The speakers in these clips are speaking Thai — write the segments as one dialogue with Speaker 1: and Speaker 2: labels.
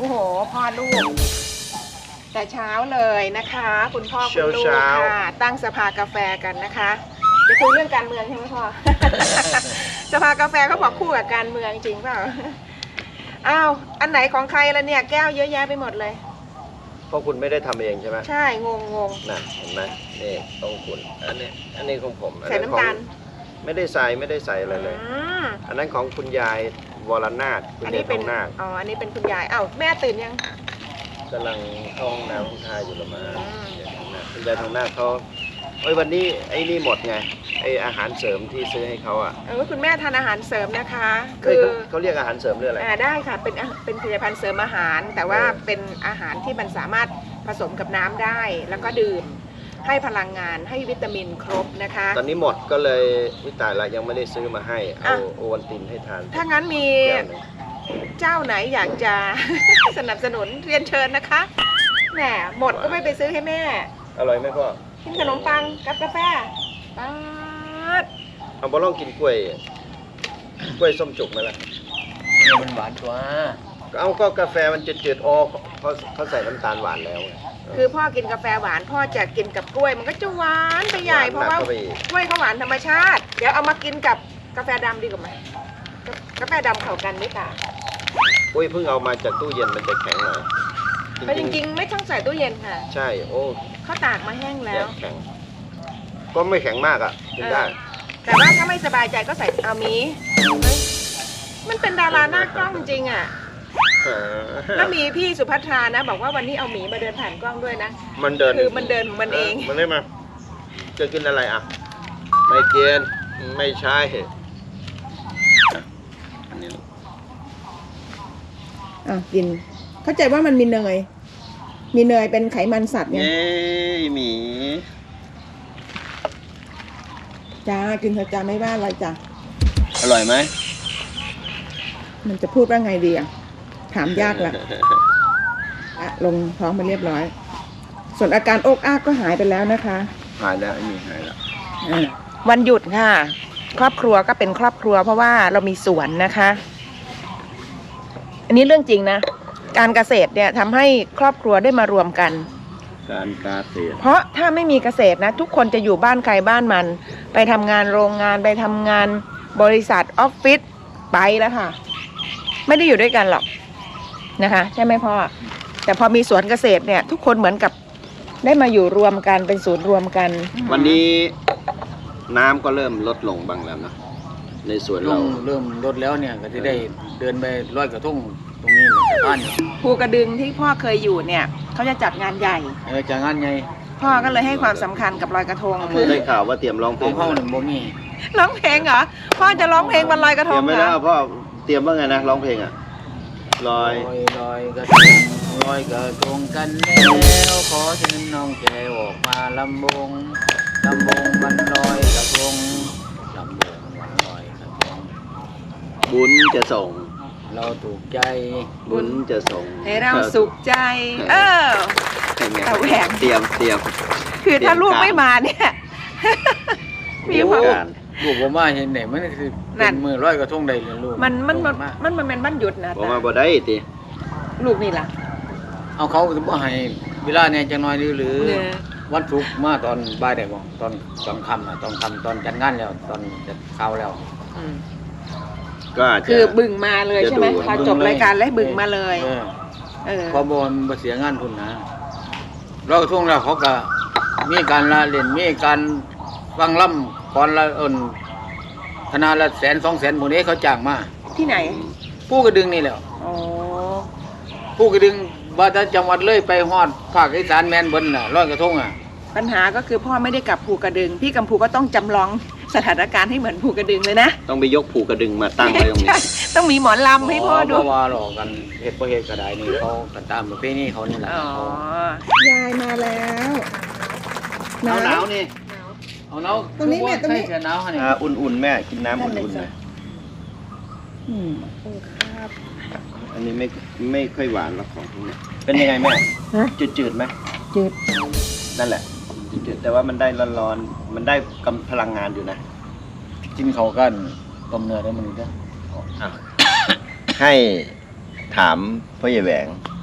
Speaker 1: อ้โหพ่อลูกแต่เช้าเลยนะคะคุณพ่อคุณลูกค่ะตั้งสภากาแฟกันนะคะจะคุยเรื่องการเมืองใช่ไหมพ่อ สภากาแฟเขาบอกคู่กับการเมืองจริงเปล่าอ้าวอันไหนของใครละเนี่ยแก้วเยอะแยะไปหมดเลย
Speaker 2: เพราะคุณไม่ได้ทำเองใช่ไหม
Speaker 1: ใช่งง
Speaker 2: น่ะเห็นไหมนี่ต้องคุณอันนี้ของผม
Speaker 1: ใส่น้ำตาล
Speaker 2: ไม่ได้ใส่อะไรเลยอันนั้นของคุณยายวรนาถคุณยายทองนาค
Speaker 1: อ๋ออันนี้เป็นคุณยายอ้าวแม่ตื่นยัง
Speaker 2: กำลังท้องน้ำคุณทายอยู่ละมาคุณยายทองนาคเขาวันนี้ไอ้นี่หมดไงไออาหารเสริมที่ซื้อให้เขา
Speaker 1: คุณแม่ทานอาหารเสริมนะคะ
Speaker 2: คือเขาเรียกอาหารเสริมเรื่องอะไร
Speaker 1: ได้ค่ะเป็นผลิตภัณฑ์เสริมอาหารแต่ว่าเป็นอาหารที่มันสามารถผสมกับน้ำได้แล้วก็ดื่มให้พลังงานให้วิตามินครบนะคะ
Speaker 2: ตอนนี้หมดก็เลยวิตายละยังไม่ได้ซื้อมาให้เอาโอวัลตินให้ทาน
Speaker 1: ถ้างั้นมีเจ้าไหนอยากจะ สนับสนุนเรียนเชิญนะคะแหมหมดก็ไม่ไปซื้อให้แม่
Speaker 2: อร่อยไหมพ่อ
Speaker 1: กินขนมปังกับกาแฟป๊าด
Speaker 2: เอาบอลองกินกล้วยส้มจุกไหมล่ะ
Speaker 3: มันหวานกว่า
Speaker 2: เอาก็กาแฟมันจืดๆเขาใส่น้ำตาลหวานแล้ว
Speaker 1: คือพ่อกินกาแฟหวานพ่อจะกินกับกล้วยมันก็จะหวานไปใหญ่เพราะว่ากล้วยเขาหวานธรรมชาติเดี๋ยวเอามากินกับกาแฟดำดีกว่าไหมกาแฟดำเข้ากันไม่ต่าง
Speaker 2: เพิ่งเอามาจากตู้เย็นมันจะแข็งหน่อย
Speaker 1: จริงๆไม่ต้องใส่ตู้เย็นค่ะ
Speaker 2: ใช่
Speaker 1: เขาตากมาแห้งแล้ว
Speaker 2: แข็งก็ไม่แข็งมากกินได้
Speaker 1: แต่ว่าถ้าไม่สบายใจก็ใส่เอามีมันเป็นดาราหน้ากล้องจริงแล้วมีพี่สุภัทรานะบอกว่าวันนี้เอาหมีมาเดินผ่านกล้องด้วยนะ
Speaker 2: มันเดิน
Speaker 1: คือมันเดินของมันเอง
Speaker 2: มันได้มาจะกินอะไรไม่กินไม่ใช่อันนี้
Speaker 1: กินเข้าใจว่ามันมีเนยเป็นไขมันสัตว์ไง
Speaker 2: หมี
Speaker 1: จ้ากินเถอะจ้าไม่ว่าอะไรจ้า
Speaker 2: อร่อยไหม
Speaker 1: มันจะพูดว่าไงดีถามยากละลงท้องมาเรียบร้อยส่วนอาการอกอ้ากก็หายไปแล้วนะคะ
Speaker 2: หายแล้วหายแล้ว
Speaker 1: วันหยุดค่ะครอบครัวก็เป็นครอบครัวเพราะว่าเรามีสวนนะคะอันนี้เรื่องจริงนะการเกษตรเนี่ยทำให้ครอบครัวได้มารวมกัน
Speaker 2: การเกษตร
Speaker 1: เพราะถ้าไม่มีเกษตรนะทุกคนจะอยู่บ้านใครบ้านมันไปทำงานโรงงานไปทำงานบริษัทออฟฟิศไปแล้วค่ะไม่ได้อยู่ด้วยกันหรอกนะคะใช่ไหมพ่อแต่พอมีสวนเกษตรเนี่ยทุกคนเหมือนกับได้มาอยู่รวมกันเป็นศูนย์รวมกัน
Speaker 2: วันนี้น้ำก็เริ่มลดลงบ้างแล้วนะในสวนเรา
Speaker 3: เริ่มลดแล้วเนี่ยก็จะได้เดินไปลอยกระทงตรงนี้ในบ้าน
Speaker 1: ภูกระดึงที่พ่อเคยอยู่เนี่ยเขาจะจัดงานใหญ่
Speaker 3: จัดงานใหญ่
Speaker 1: พ่อก็เลยให้ความสำคัญกับลอยกระทง
Speaker 2: คือได้ข่าวว่าเตรียมร้องเพลง
Speaker 3: พ่อหนึ่งบ่มี
Speaker 1: ร้องเพลงเหรอพ่อจะร้องเพลงวันลอยกระทง
Speaker 2: เตรียมไม่ได้พ่อเตรียมว่าไงนะร้องเพลงลอย
Speaker 3: กระทงลอยกระทงกันแล้วขอเชิญน้องแก้วออกมาลำวงวันลอยกระทงลำวงวันลอยกระทง
Speaker 2: บุญจะส่ง
Speaker 3: เราถูกใจ
Speaker 2: บุญจะส่ง
Speaker 1: ให้เราสุขใจ
Speaker 2: แต่แหวกเตรียม
Speaker 1: คือถ้าลูกไม่มาเนี่ย
Speaker 2: มีความ
Speaker 3: ลูกผมว่าเห็นไหนมันคือเป็นมือร้อยกระทงใดเลยลูก
Speaker 1: มันเป็นบ้านหยุดนะ
Speaker 2: ผมว่าบ่ได้ติ
Speaker 1: ลูกนี่ล่ะ
Speaker 3: เอาเขาจะบ่ให้เวลาเนี่ยจะน้อยหรือวันศุกร์มาตอนบ่ายได้บ่ตอนค่ำตอนจัดงานแล้วตอนจัดข้าวแล้ว
Speaker 2: ก็
Speaker 1: คือบึ่งมาเลยใช่ไหมพอจบรายการแล้วบึ่งมาเลย
Speaker 3: พอบนมาเสียงานทุนนะร้อยกระทงแล้วเขาก็มีการละเล่นมีการฟังล่ำก่อนละคณะละ100,000-200,000พวกนี้เขาจ้างมา
Speaker 1: ที่ไหน
Speaker 3: ผู้กระดึงนี่แหละผู้กระดึงว่าจะจังหวัดเลยไปฮอดภาคอีสานแม่นเบิ่นน่ะร้อยกระทง
Speaker 1: ปัญหาก็คือพ่อไม่ได้กลับภูกระดึงพี่กัมพูก็ต้องจำลองสถานการณ์ให้เหมือนภูกระดึงเลยนะ
Speaker 2: ต้องไปยกภูกระดึงมาตั้งไว้ตรงนี้
Speaker 1: ต้องมีหมอลำให้พ่อดู
Speaker 3: ว่าหลอกกันเฮ็ดบ่เฮ็ดก็ได้นี่เขากันตามประเพณีเขานี่แหละ
Speaker 1: ยายมาแล้ว
Speaker 2: หนาวนี่
Speaker 3: เอาหนาวตรงนี้แม่ตรงนี้หนาวฮะนี่
Speaker 2: อุ่นๆแม่กินน้ำอุ่นๆนะ
Speaker 1: ครับ
Speaker 2: อันนี้ไม่ค่อยหวานหรอกของพวกนี้เป็นยังไงแม่จืดไหม
Speaker 1: จืด
Speaker 2: นั่นแหละจืดแต่ว่ามันได้ร้อนๆมันได้กำพลังงานอยู่นะ
Speaker 3: กินเขากันต้มเนื้อได้มันได้
Speaker 2: ให้ถามพ่อใหญ่แหวง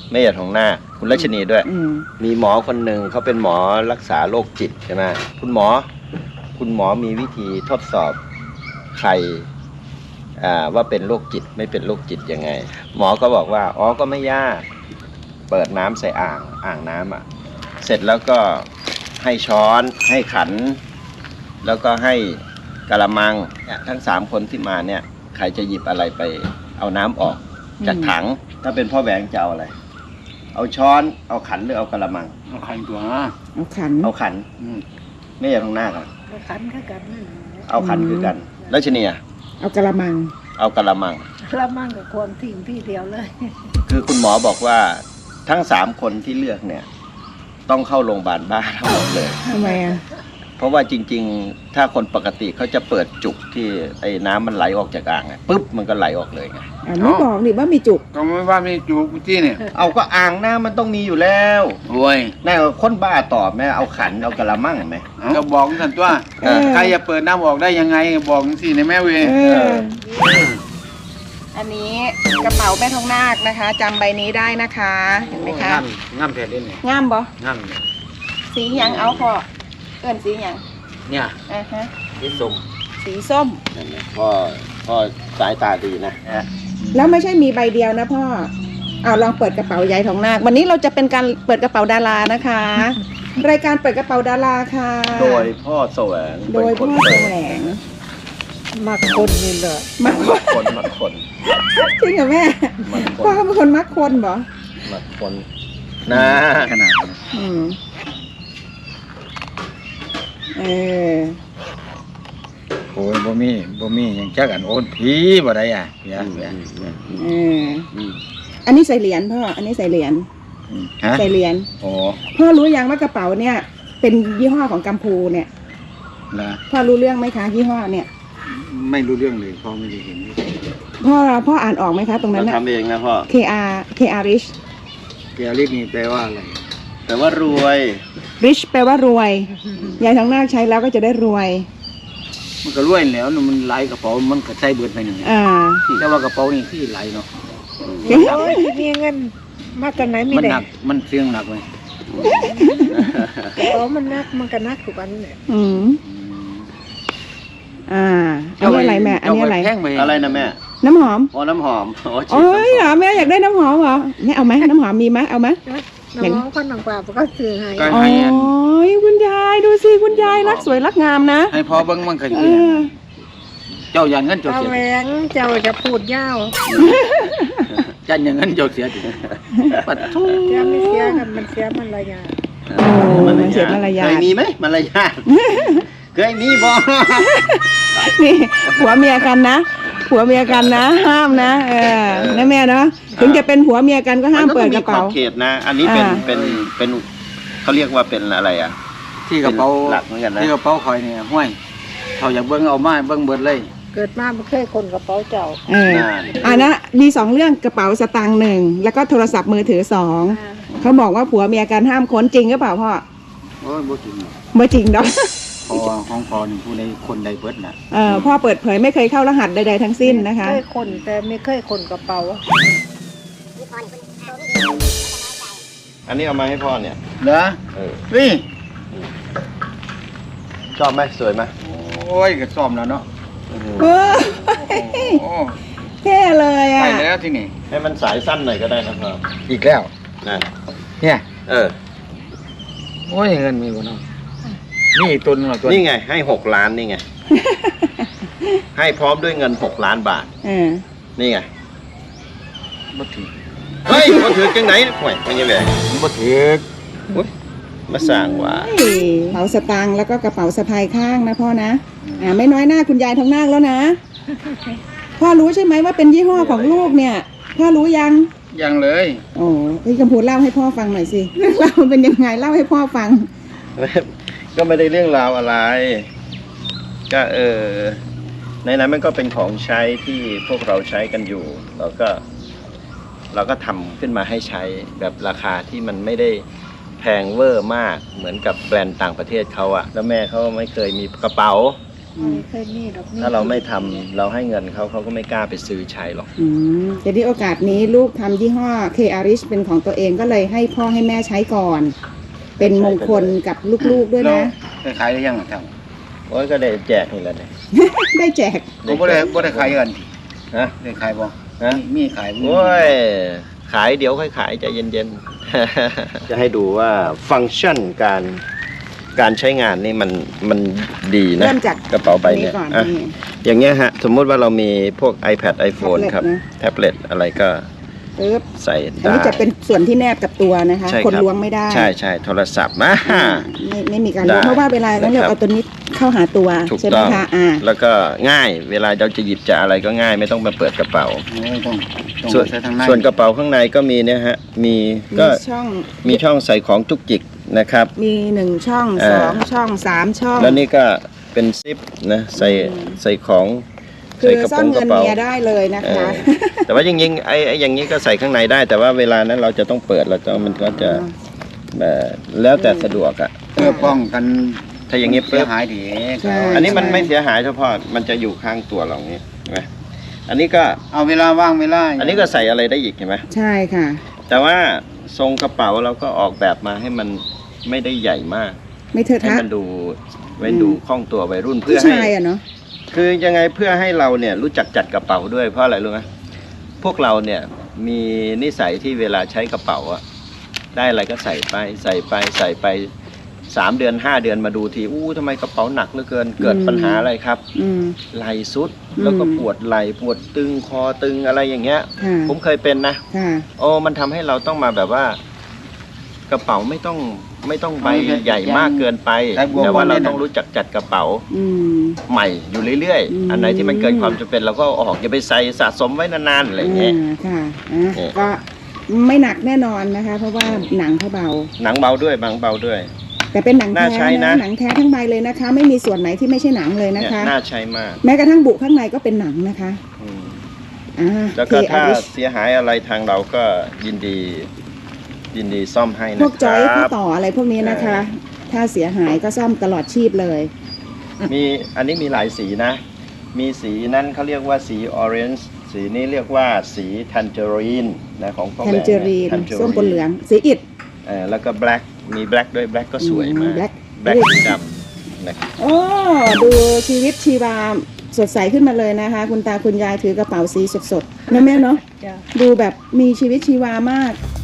Speaker 2: แม่ใหญ่ทองนาคคุณรัชนีด้วย
Speaker 1: อืม
Speaker 2: มีหมอคนหนึ่งเขาเป็นหมอรักษาโรคจิตใช่ไหมคุณหมอมีวิธีทดสอบใครว่าเป็นโรคจิตไม่เป็นโรคจิตยังไง หมอก็บอกว่าอ๋อก็ไม่ยากเปิดน้ำใส่อ่างน้ำเสร็จแล้วก็ให้ช้อนให้ขัน แล้วก็ให้กะละมังเนี่ยทั้ง3คนที่มาเนี่ยใครจะหยิบอะไรไปเอาน้ำออกจากถังถ้าเป็นพ่อแหวงจะเอาอะไร เอาช้อนเอาขันหรือเอากะละมัง
Speaker 3: เอาขันตัว
Speaker 1: เอาขัน
Speaker 2: เอาขันไม่ใช่ตรงหน้ากัน
Speaker 4: ขันคือกัน
Speaker 2: เอาขันคือกันแล้วชนีอะ
Speaker 1: เอากระมัง
Speaker 2: เอากะละมัง
Speaker 4: ละมั่งกับความทิ้งพี่เดียวเลย
Speaker 2: คือคุณหมอบอกว่าทั้ง3คนที่เลือกเนี่ย ต้องเข้าโรงพยาบาลบ้าทั้งหมดเลย
Speaker 1: ทำไมอ่ะ
Speaker 2: เพราะว่าจริงๆ ถ้าคนปกติเขาจะเปิดจุกที่ไอ้น้ำมันไหลออกจากอ่างไงปุ๊บมันก็ไหลออกเลยไง
Speaker 1: ไม่บอกดิว่ามีจุก
Speaker 3: ก็ไม่ว่ามีจูบจี้เนี่ย
Speaker 2: เอาก็อ่างน้ำมันต้องมีอยู่แล้ว
Speaker 3: โอ้ย
Speaker 2: น่าคนบ้าตอบไหมเอาขันเอากะละมังไหม
Speaker 3: ก็บอกกันตัว
Speaker 1: เออ
Speaker 3: ใครจะเปิดน้ำออกได้ยังไงบอกสิในแม่เวย
Speaker 1: อันนี้กระเป๋าแม่ทองนาคนะคะจำใบนี้ได้นะคะเห็นไหมคะ
Speaker 3: ง่ำแผ่นดินเนี่ย
Speaker 1: งามบ่
Speaker 3: ง่ำเนี่ย
Speaker 1: สีหยังเอาพอเอิ้นสีหยัง
Speaker 3: เนี่ย
Speaker 1: ฮะ
Speaker 2: นี่ส้ม
Speaker 1: สีส้ม
Speaker 2: นั่นนะพ่อสายตาดีนะ
Speaker 1: แล้วไม่ใช่มีใบเดียวนะพ่อเอาลองเปิดกระเป๋ายายทองนาควันนี้เราจะเป็นการเปิดกระเป๋าดารานะคะ รายการเปิดกระเป๋าดาราค่ะ
Speaker 2: โดยพ่อแสวง
Speaker 1: โดยพ่อแสวง
Speaker 4: มาคนนี่เลย
Speaker 1: มัก
Speaker 2: มักคน
Speaker 1: จริงเหรอแม่
Speaker 2: มักค
Speaker 1: พ่อน เขาเป็นคนมักคนเหรอ
Speaker 2: มักคนนะ
Speaker 3: ขนาดนั้น
Speaker 1: อืมเออ
Speaker 3: โอ้ยบ่มีหยังจักอันโอนผีบ่ได้อ่ะเปีย
Speaker 1: เอออันนี้ใส่เหรียญพ่ออันนี้ใส่เหรียญ
Speaker 3: ฮะ
Speaker 1: ใส่เหรียญ
Speaker 3: โอ้
Speaker 1: พ่อรู้ยังว่ากระเป๋าเนี่ย เป็นยี่ห้อของกัมพูเนี่ย
Speaker 3: ละ
Speaker 1: พ่อรู้เรื่องไหมคะยี่ห้อเนี่ย
Speaker 3: ไม่รู้เรื่องเลยพ่อไม่ได้เห็น
Speaker 1: พ่ออ่านออกไหมคะ ตรงนั้น
Speaker 2: เรา
Speaker 1: น่ะ
Speaker 2: ทำเองนะพ่อ
Speaker 1: KR Rich
Speaker 3: เปียลิกนี่แปลว่าอะไร
Speaker 2: แต่ว่ารวย
Speaker 1: Rich แปลว่ารวยยายทองนาคใช้แล้วก็จะได้รวย
Speaker 3: มันก็รวยแล้วมันไหลกระเป๋ามันก็ใส่เบิดไปหนึ่ง
Speaker 1: อ่า
Speaker 3: แต่ว่ากระเป๋านี่ที่ไหลเนาะ
Speaker 4: โอ้ยมีเงินมาจากไหนมี
Speaker 3: มัน
Speaker 4: แต่
Speaker 3: หนักมันเสียงหนักไหม
Speaker 4: กระเป๋ามันนักมันก็นักทุกวันเนี่ย
Speaker 1: อืมอันนี้อะไรแม่อันนี้อะไร
Speaker 3: แท่งไป
Speaker 2: อะไรนะแม่
Speaker 1: น้ำหอม
Speaker 2: อ๋อน้ำหอมอ๋อฉีด
Speaker 1: โอ้ย
Speaker 2: น้ำห
Speaker 1: เหร
Speaker 2: อ
Speaker 1: อ
Speaker 2: ม
Speaker 1: แม่อยากได้น้ำหอมเหรอเนี่ยเอาไหมน้ำหอมมีไหมเอาไหม
Speaker 4: น้องคนน้องป่าก็ซื้อให้
Speaker 3: ก็
Speaker 1: โอ้
Speaker 3: ให้อัน
Speaker 1: ยคุณยายดูสิคุณยายรักสวยรักงามนะ
Speaker 3: ให้พอเบิ้งมันก็
Speaker 1: เอ
Speaker 3: ดี
Speaker 1: อ
Speaker 3: เจ้ายันเงินเจ้า
Speaker 4: เอา
Speaker 3: เสีย
Speaker 4: แหวงเจ้าจะพูดยาว
Speaker 3: จันอย่างเงินเจ้าเสียดิปัดทุก
Speaker 4: เสียไม่เสียกันมันเสียมันระยะ
Speaker 1: โอ้มันเสียมารยา
Speaker 2: เคย
Speaker 1: ท
Speaker 2: มีไหมมารยาทเคยมีบ่
Speaker 1: นี่ผัวเมียกันนะผัวเมียกันนะห้ามนะนะแม่เนาะถึงจะเป็นผัวเมียกันก็ห้ามเปิดกระเป๋า
Speaker 2: มันต้องมีขอบเขตนะ อันนี้เป็น
Speaker 1: อ่า
Speaker 2: เป็นเขาเรียกว่าเป็นอะไรอ่ะ
Speaker 3: ที่กระเป๋า
Speaker 2: เป็นหลักเหมือนกันนะ
Speaker 3: ที่กระเป๋าคอยเนี่ยห้วยเขาอยากเบิ้งเอามาเบิ้งเบิดเลย
Speaker 4: เกิดมาไม่เคยคนกระเป๋าเจ้า
Speaker 1: นะมี2เรื่องกระเป๋าสตางค์1แล้วก็โทรศัพท์มือถือ2เขาบอกว่าผัวเมียกันห้ามค้นจริงหรือเปล่าพ่อ
Speaker 3: โอ้ยบ่จริง
Speaker 1: ไม่จริงเนาะ
Speaker 3: พอของพอนี่ผู้ใดคนใดเบิดน่ะ
Speaker 1: พ่อเปิดเผยไม่เคยเข้ารหัสใดๆทั้งสิ้นนะคะ
Speaker 4: เคยคนแต่ไม่เคยคนกระเป๋า
Speaker 2: อันนี้เอามาให้พ่อเนี่ย
Speaker 3: เหรอ
Speaker 2: เออ
Speaker 3: นี่
Speaker 2: ชอบไหมสวยไหม
Speaker 3: โอ้ยก็ซ่อมแล้วเนาะ
Speaker 1: เออ
Speaker 3: โอ้
Speaker 1: เท่เลยอ่ะ
Speaker 3: ไปแล้วที่นี่
Speaker 2: ให้มันสายสั้นหน่อยก็ได้นะพ่อ
Speaker 3: อีกแล้ว
Speaker 2: นั่น
Speaker 3: เนี่ย
Speaker 2: เออ
Speaker 3: โอ้ยเงินมีบ่เนาะนี่อีกตัวนึงเหรอตัว
Speaker 2: นี่ไงให้6 ล้านนี่ไง ให้พร้อมด้วยเงิน6 ล้านบาท นี่ไง
Speaker 3: บ่ถือ
Speaker 2: เฮ้ยมันถือจังไหนห่วยมันยังไง
Speaker 3: มันบ่ถือ
Speaker 2: มาสั่งว่า
Speaker 1: กระเป๋าสตางค์แล้วก็กระเป๋าสะพายข้างนะพ่อนะไม่น้อยหน้าคุณยายทองนาคแล้วนะ พ่อรู้ใช่ไหมว่าเป็นยี่ห้อของลูกเนี่ย พ่อรู้ยัง
Speaker 3: ยังเลย
Speaker 1: โอ้พี่กำพูเล่าให้พ่อฟังหน่อยสิเรื่องราวมันเป็นยังไงเล่าให้พ่อฟัง
Speaker 2: ก็ไม่ได้เรื่องราวอะไร ก็ในนั้นมันก็เป็นของใช้ที่พวกเราใช้กันอยู่ เราก็ทำขึ้นมาให้ใช้แบบราคาที่มันไม่ได้แพงเวอร์มากเหมือนกับแบรนด์ต่างประเทศเขาอะแล้วแม่เขาไม่เคยมีกระเป๋า
Speaker 4: ไม่เคยมีดอกนี่
Speaker 2: ถ้าเราไม่ทำเราให้เงินเขาเขาก็ไม่กล้าไปซื้อใช้หรอก
Speaker 5: แต่ที่โอกาสนี้ลูกทำยี่ห้อ K Arish เป็นของตัวเองก็เลยให้พ่อให้แม่ใช้ก่อน เป็นมงคลกับลูกๆด้วยนะ
Speaker 3: ไปขายได้ยังครับ
Speaker 2: โอ้ยก็ได้แจกนี่แหละเนี่ย
Speaker 5: ได้แจก
Speaker 3: ผมบ่ได้ขายกัน
Speaker 2: ฮะ
Speaker 3: ได้ขายบ่
Speaker 2: ฮะ
Speaker 3: มีขายบ่
Speaker 2: โอ้ยขายเดี๋ยวค่อยขายใจเย็นๆ จะให้ดูว่าฟังก์ชันการใช้งานนี่มันดีนะ
Speaker 5: เริ่มจาก
Speaker 2: กระเป๋าใบเนี่ย
Speaker 5: ก่อน
Speaker 2: อ่ะ
Speaker 5: นี่
Speaker 2: อย่างเงี้ยฮะ สมมุติว่าเรามีพวก iPad iPhone ครับ แท็บเล็ตอะไรก็
Speaker 5: ปึ๊บ
Speaker 2: ใส่
Speaker 5: อัน
Speaker 2: ได้
Speaker 5: นี้จะเป็นส่วนที่แนบกับตัวนะคะ
Speaker 2: ใช่
Speaker 5: คน
Speaker 2: รับ
Speaker 5: ล้วงไม่ได้
Speaker 2: ใช่ใช่โทรศัพท์มา
Speaker 5: ไม่มีการล้วง
Speaker 2: ได้
Speaker 5: เพราะว่าเวลานั้นเรา
Speaker 2: นะครับ
Speaker 5: เอาตัวนี้เข้าหาตัว
Speaker 2: ถูก
Speaker 5: ใช่ไหม
Speaker 2: ต้อง
Speaker 5: คะ
Speaker 2: แล้วก็ง่ายเวลาเราจะหยิบจะอะไรก็ง่ายไม่ต้องมาเปิดกระเป๋า
Speaker 3: ต้อง
Speaker 2: ส่วน
Speaker 3: ใช้ทางใน
Speaker 2: ส่วนกระเป๋าข้างในก็มีเนี่ยฮะมีก็
Speaker 5: ช่อง
Speaker 2: มีช่องใส่ของจุกจิกนะครับ
Speaker 5: มี1ช่อง
Speaker 2: อ่า
Speaker 5: 2ช่อง3ช่อง
Speaker 2: แล้วนี่ก็เป็นซิปนะใส่ของ
Speaker 5: คื
Speaker 2: ใส่
Speaker 5: อก
Speaker 2: ระ
Speaker 5: ซ่อ
Speaker 2: โปร
Speaker 5: น
Speaker 2: งก
Speaker 5: เงิ
Speaker 2: ระ
Speaker 5: น
Speaker 2: เป๋า
Speaker 5: เมียได้เลยนะ
Speaker 2: เอ
Speaker 5: คะ
Speaker 2: อแต่ว่าจริงๆไอ้อย่างนี้ก็ใส่ข้างในได้ แต่ว่าเวลานั้นเราจะต้องเปิดมันก็จะแล้วแต่สะดวกอ่ะ
Speaker 3: เพื่อป้องกัน
Speaker 2: ถ้าอย่างนี้
Speaker 3: เสี
Speaker 2: ปุ๊
Speaker 3: ย
Speaker 2: บ
Speaker 3: หายดี
Speaker 5: ใช่
Speaker 2: อันนี้มันไม่เสียหายเฉพาะมันจะอยู่ข้างตัวเราอย่างนี้เห็นไหมอันนี้ก็
Speaker 3: เอาเวลาว่างเวลา
Speaker 2: อันนี้ก็ใส่อะไรได้อีกเห็นไหม
Speaker 5: ใช่ค่ะ
Speaker 2: แต่ว่าทรงกระเป๋าเราก็ออกแบบมาให้มันไม่ได้ใหญ่มาก
Speaker 5: ไม่เทอะ
Speaker 2: ให้
Speaker 5: ทะ
Speaker 2: มันดูไว้ดูคล่องตัววัยรุ่น
Speaker 5: ผู้
Speaker 2: เพื่อให้
Speaker 5: ชายอะเนาะ
Speaker 2: คือยังไงเพื่อให้เราเนี่ยรู้จักจัดกระเป๋าด้วยเพราะอะไรรู้ไหมพวกเราเนี่ยมีนิสัยที่เวลาใช้กระเป๋าอะได้อะไรก็ใส่ไป3 เดือน 5 เดือนมาดูทีทำไมกระเป๋าหนักเหลือเกินเกิดปัญหาอะไรครับ
Speaker 5: อืม
Speaker 2: ไหล่สุดแล้วก็ปวดไหล่ปวดตึงคอตึงอะไรอย่างเงี้ย
Speaker 5: ค่ะ
Speaker 2: ผมเคยเป็นนะ
Speaker 5: ค่ะ
Speaker 2: โอ้มันทำให้เราต้องมาแบบว่ากระเป๋าไม่ต้องใบใหญ่มากเกินไป แต่ว่าเราต้องรู้จักจัดกระเป๋า
Speaker 5: อืม
Speaker 2: ใหม่อยู่เรื่อย
Speaker 5: อืม
Speaker 2: ๆ อันไหนที่มันเกินความจำเป็นเราก็เอาออกอย่าไปใส่สะสมไว้นานๆอะไรอย่างเงี้ย
Speaker 5: ค่ะอ่ะ
Speaker 2: เนี่ย
Speaker 5: ก็ไม่หนักแน่นอนนะคะ เพราะว่าหนังเขาเบา
Speaker 2: หนังเบาด้วยบางเบาด้วย
Speaker 5: แต่เป็นหนัง
Speaker 2: น่า
Speaker 5: แท้
Speaker 2: ใช้นะ
Speaker 5: นะหนังแท้ทั้งใบเลยนะคะ ไม่มีส่วนไหนที่ไม่ใช่หนังเลยนะ
Speaker 2: เนี่ย
Speaker 5: คะ
Speaker 2: น่าใช้มาก
Speaker 5: แม้กระทั่งบุข้างในก็เป็นหนังนะคะ
Speaker 2: อืม
Speaker 5: อ่า
Speaker 2: แล้วก็
Speaker 5: K
Speaker 2: ถ้า
Speaker 5: Arish
Speaker 2: เสียหายอะไรทางเราก็ยินดีซ่อมให้
Speaker 5: พ
Speaker 2: นะ
Speaker 5: วก
Speaker 2: ค
Speaker 5: จอย
Speaker 2: รั
Speaker 5: ข้
Speaker 2: บ
Speaker 5: ต่ออะไรพวกนี้นะคะ ถ้าเสียหายก็ซ่อมตลอดชีพเลย
Speaker 2: มีอันนี้มีหลายสีนะ มีสีนั้นเขาเรียกว่าสีออเรนจ์สีนี้เรียกว่าสีแทนเจอรีนนะของพ่อ
Speaker 5: แท
Speaker 2: แบ
Speaker 5: น
Speaker 2: ง
Speaker 5: เจอรีน ส้มปนเหลือง สีอิฐ
Speaker 2: แล้วก็แบล็กมีแบล็กด้วยแบล็กก็สวยมาก
Speaker 5: แบล็ก
Speaker 2: แบล็กสีดำนะครับ
Speaker 5: โอ้ดูชีวิตชีวาสดใสขึ้นมาเลยนะคะ คุณตาคุณยายถือกระเป๋าสีสดๆนะแม่เนาะ
Speaker 4: จ้ะ
Speaker 5: ดูแบบมีชีวิตชีวามาก